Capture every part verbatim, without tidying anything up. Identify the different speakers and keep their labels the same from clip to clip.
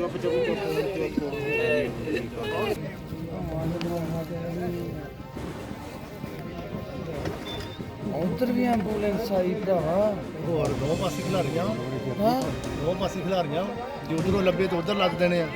Speaker 1: उधर भी एंबूलेंस आई भरावा
Speaker 2: और दो पासे खिलारियां हाँ दो पासे खिलारियां जो उधरों लब्बे तो उधर लग देने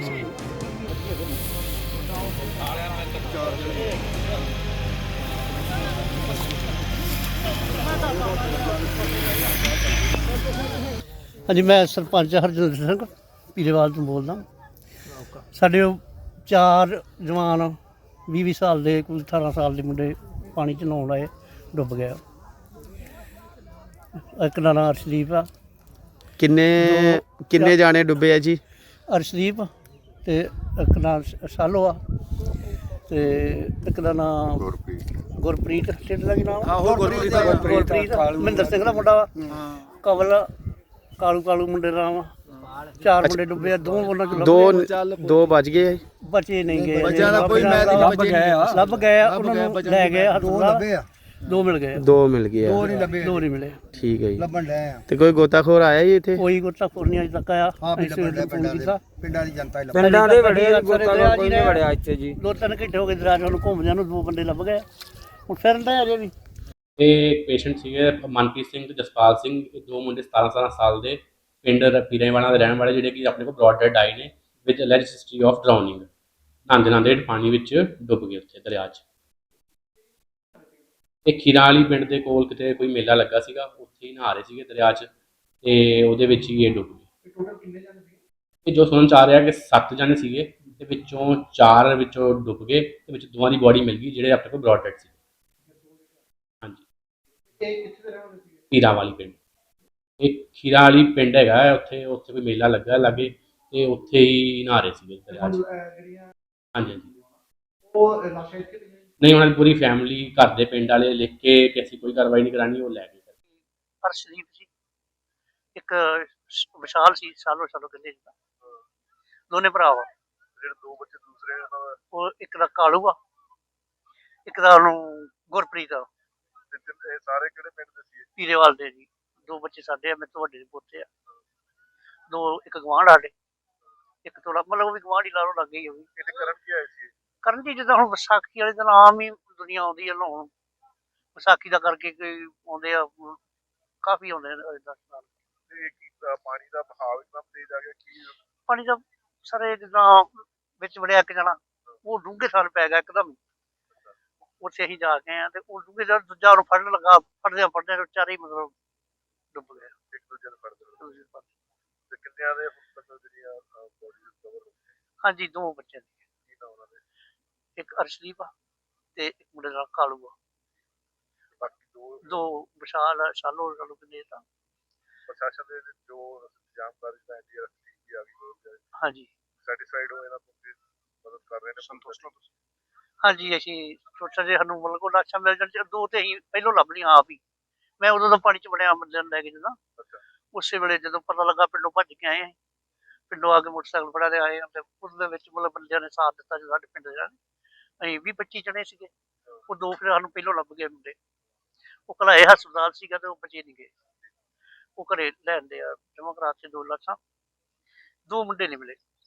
Speaker 3: हाँ जी, मैं सरपंच हरजिंदर सिंह पीलेवाल तो बोलदा। साढ़े चार जवान भी भी साल के कोई अठारह साल के मुंडे पानी च नहाउण आए, डुब गया। एक दा नाम अर्शदीप आ।
Speaker 4: किन्ने किन्ने जाने डुबे है जी?
Speaker 3: अर्शदीप ते एक नाम शालो आ ते एक दा नाम गुरप्रीत ढिड्ड दा की नाम गुरप्रीत महिंदर सिंह दा मुंडा वा। कवल कालू कालू मुंडे दा नाम। चार मुंडे डुबे, दो
Speaker 4: दो दो बच गए,
Speaker 3: बचे नहीं गए,
Speaker 1: लभ गए
Speaker 3: लभ गए उन्होंने लै गए हस्पताल। दो मिल गए,
Speaker 4: दो मिल गए,
Speaker 3: दो नहीं लभे, दो नहीं मिले।
Speaker 4: ठीक है जी। ते कोई गोताखोर आया जी इत्थे?
Speaker 3: कोई गोताखोर नहीं अजे तक आया।
Speaker 1: पिंडां दी जनता
Speaker 3: पिंडां दे बड़े गोताखोर कोई नहीं वड़िया इत्थे जी। दो तीन घंटे हो गए दराज ਨੂੰ ਘੁੰਮਦਿਆਂ ਨੂੰ, ਦੋ ਬੰਦੇ ਲੱਭ ਗਏ। ਹੁਣ ਫਿਰਨ ਦਾ ਅਜੇ ਵੀ।
Speaker 5: ਇਹ ਪੇਸ਼ੈਂਟ ਸੀਗੇ ਮਨਪ੍ਰੀਤ ਸਿੰਘ ਤੇ ਜਸਪਾਲ ਸਿੰਘ, ਇਹ ਦੋ ਮੁੰਡੇ ਸਤਾਰਾਂ ਸਤਾਰਾਂ ਸਾਲ ਦੇ, ਪਿੰਡ ਪੀਰਾਂਵਾਲਾ ਦੇ ਰਹਿਣ ਵਾਲੇ, ਜਿਹੜੇ ਕਿ ਆਪਣੇ ਕੋਲ ਬ੍ਰੌਡ ਡੈਡ ਆਏ ਨੇ with alleged history of drowning. ਨਹਾਉਂਦੇ ਨਹਾਉਂਦੇ ਪਾਣੀ ਵਿੱਚ ਡੁੱਬ ਗਏ ਉੱਥੇ ਦਰਿਆ 'ਚ। ਇਹ ਖੀਰਾਂ ਵਾਲੀ ਪਿੰਡ ਦੇ ਕੋਲ ਕਿਤੇ ਕੋਈ ਮੇਲਾ ਲੱਗਾ ਸੀਗਾ, ਉੱਥੇ ਹੀ ਨਹਾ ਰਹੇ ਸੀਗੇ ਦਰਿਆ 'ਚ, ਤੇ ਉਹਦੇ ਵਿੱਚ ਹੀ ਇਹ ਡੁੱਬ ਗਏ। ਇਹ ਜੋ ਸੁਣਨ 'ਚ ਆ ਰਿਹਾ ਕਿ ਸੱਤ ਜਣੇ ਸੀਗੇ, ਤੇ ਵਿੱਚੋਂ ਚਾਰ ਵਿੱਚੋਂ ਡੁੱਬ ਗਏ, ਤੇ ਵਿੱਚ ਦੋਵਾਂ ਦੀ ਬੋਡੀ ਮਿਲ ਗਈ ਜਿਹੜੇ ਆਪਣੇ ਕੋਲ ਬ੍ਰੌਡ ਡੈਡ ਸੀ। ਹਾਂਜੀ, ਖੀਰਾਂ ਵਾਲੀ ਪਿੰਡ, ਇਹ ਖੀਰਾਂ ਵਾਲੀ ਪਿੰਡ ਹੈਗਾ, ਉੱਥੇ ਉੱਥੇ ਕੋਈ ਮੇਲਾ ਲੱਗਾ ਲਾਗੇ, ਤੇ ਉੱਥੇ ਹੀ ਨਹਾ ਰਹੇ ਸੀਗੇ ਦਰਿਆ 'ਚ। ਹਾਂਜੀ ਹਾਂਜੀ, ਨਹੀਂ ਉਹਨਾਂ ਦੀ ਪੂਰੀ ਫੈਮਿਲੀ, ਘਰ ਦੇ ਪਿੰਡ ਵਾਲੇ ਲਿਖ ਕੇ ਕਿ ਅਸੀਂ ਕੋਈ ਕਾਰਵਾਈ ਨਹੀਂ ਕਰਾਣੀ, ਉਹ ਲੈ ਗਏ।
Speaker 3: ਅਰਸ਼ਦੀਪ ਜੀ, ਇੱਕ ਵਿਸ਼ਾਲ ਸੀ, ਸਾਲੋ ਸਾਲੋ ਕਹਿੰਦੇ ਜੀ, ਦੋਨੇ ਭਰਾ ਵਾ।
Speaker 2: ਜਿਹੜੇ ਦੋ ਬੱਚੇ ਦੂਸਰੇ ਉਹਨਾਂ ਦਾ,
Speaker 3: ਉਹ ਇੱਕ ਦਾ ਕਾਲੂ ਆ, ਇੱਕ ਦਾ ਉਹਨੂੰ ਗੁਰਪ੍ਰੀਤ ਆ।
Speaker 2: ਇਹ ਸਾਰੇ ਕਿਹੜੇ ਪਿੰਡ ਦੇ ਸੀ?
Speaker 3: ਪੀਰੇਵਾਲ ਦੇ ਜੀ। ਦੋ ਬੱਚੇ ਸਾਡੇ ਆ, ਮੇਰੇ ਤੋਂ ਵੱਡੇ ਦੇ ਪੋਤੇ ਆ। ਦੋ ਇੱਕ ਗਵਾਂਢ ਸਾਡੇ, ਇੱਕ ਥੋੜਾ ਮਤਲਬ ਉਹ ਵੀ ਗਵਾਂਢ ਹੀ ਲਾ ਲਓ, ਲੱਗ ਗਈ ਉਹ ਵੀ।
Speaker 2: ਇੱਥੇ ਕਰਨ ਕੀ ਆਏ ਸੀ?
Speaker 3: ਕਰਨ ਜੀ ਜਿੱਦਾਂ ਹੁਣ ਵਿਸਾਖੀ ਵਾਲੇ ਦਿਨ ਆਮ ਹੀ ਦੁਨੀਆ ਆਉਂਦੀ ਹੈ ਨਹਾਉਣ, ਵਿਸਾਖੀ ਦਾ ਕਰਕੇ ਕੋਈ ਆਉਂਦੇ ਆ, ਕਾਫੀ ਆਉਂਦੇ ਨੇ ਦਸ ਸਾਲ।
Speaker 2: ਤੇ ਕੀ ਪਾਣੀ ਦਾ ਬਹਾਵ ਇਤਨਾ ਤੇਜ਼ ਆ ਗਿਆ ਕਿ
Speaker 3: ਪਾਣੀ ਦਾ ਸਾਰੇ ਜਿੱਦਾਂ ਵਿੱਚ ਵੜਿਆ ਇੱਕ ਜਣਾ, ਉਹ ਡੂੰਘੇ ਸਾਲ ਪੈ ਗਿਆ ਇੱਕਦਮ। ਉੱਥੇ ਅਸੀਂ ਜਾ ਕੇ ਆਏ ਤੇ ਉਹ ਡੂੰਘੇ ਸਾਲ ਦੂਜਾ ਉਹਨੂੰ ਫੜਨ ਲੱਗਾ, ਫੜਦਿਆਂ ਫੜਦਿਆਂ ਚਾਰੇ ਹੀ ਮਤਲਬ ਡੁੱਬ ਗਏ।
Speaker 2: ਇੱਕ ਦੂਜੇ ਨੂੰ ਫੜਦੇ ਤੇ ਕਿੰਨਿਆਂ ਦੇ ਜਿਹੜੀਆਂ ਬੋਡੀ ਰਿਕਵਰ ਹੋ ਗਈ?
Speaker 3: ਹਾਂਜੀ, ਦੋ ਬੱਚੇ ਨੇ,
Speaker 2: ਕੀ ਨਾ ਉਹਨਾਂ ਦੇ?
Speaker 3: ਇੱਕ ਅਰਸ਼ਦੀਪ ਆ ਤੇ ਇੱਕ ਮੁੰਡੇ ਦਾ ਕਾਲੂ ਆ।
Speaker 2: ਬਾਕੀ ਦੋ
Speaker 3: ਦੋ ਵਿਸ਼ਾਲ ਆ, ਸ਼ਾਲੋ ਸ਼ਾਲੋ ਕਿੰਨੇ ਤਾਂ।
Speaker 2: ਪ੍ਰਸ਼ਾਸਨ ਦੇ ਜੋ ਜਾਣਕਾਰੀ ਦਾ ਐਨਡੀਆਰ ਟੀਮ ਵੀ ਆ ਗਈ,
Speaker 3: ਹਾਂਜੀ,
Speaker 2: ਸੈਟੀਸਫਾਈਡ ਹੋ ਇਹਨਾਂ ਤੋਂ ਮਦਦ ਕਰ ਰਹੇ ਨੇ? ਸੰਤੁਸ਼ਟ ਹੋ ਤੁਸੀਂ?
Speaker 3: ਹਾਂਜੀ, ਅਸੀਂ ਸੋਚਿਆ ਜੇ ਸਾਨੂੰ ਮਤਲਬ ਕੋਈ ਲਾਸ਼ਾਂ ਮਿਲ ਜਾਣ, ਦੋ ਤੇ ਅਸੀਂ ਪਹਿਲੋਂ ਲੱਭ ਲਈਆਂ ਆਪ ਹੀ। ਮੈਂ ਉਦੋਂ ਦਾ ਪਾਣੀ 'ਚ ਵੜਿਆ ਬੰਦਿਆਂ ਨੂੰ ਲੈ ਕੇ ਜਦੋਂ, ਉਸੇ ਵੇਲੇ ਜਦੋਂ ਪਤਾ ਲੱਗਾ ਪਿੰਡੋਂ ਭੱਜ ਕੇ ਆਏ, ਪਿੰਡੋਂ ਆ ਕੇ ਮੋਟਰਸਾਈਕਲ ਫੜਿਆ ਤੇ ਆਏ, ਤੇ ਉਸ ਦੇ ਵਿੱਚ ਮਤਲਬ ਬੰਦਿਆਂ ਨੇ ਸਾਥ ਦਿੱਤਾ। ਜਦੋਂ ਸਾਡੇ ਪਿੰਡ ਦੇ ਅਸੀਂ ਵੀਹ ਪੱਚੀ ਜਣੇ ਸੀਗੇ, ਉਹ ਦੋ ਫਿਰ ਸਾਨੂੰ ਪਹਿਲੋਂ ਲੱਭ ਗਏ ਮੁੰਡੇ। ਉਹ ਘਲਾਏ ਹਸਪਤਾਲ ਸੀਗਾ ਤੇ ਉਹ ਬਚੇ ਨਹੀਂ ਗਏ, ਉਹ ਘਰੇ ਲੈਂਦੇ ਆ ਜਮ੍ਹਾਂ ਕਰਾ ਕੇ ਦੋ ਲਾਸ਼ਾਂ। ਦੋ ਮੁੰਡੇ ਨਹੀਂ ਮਿਲੇ।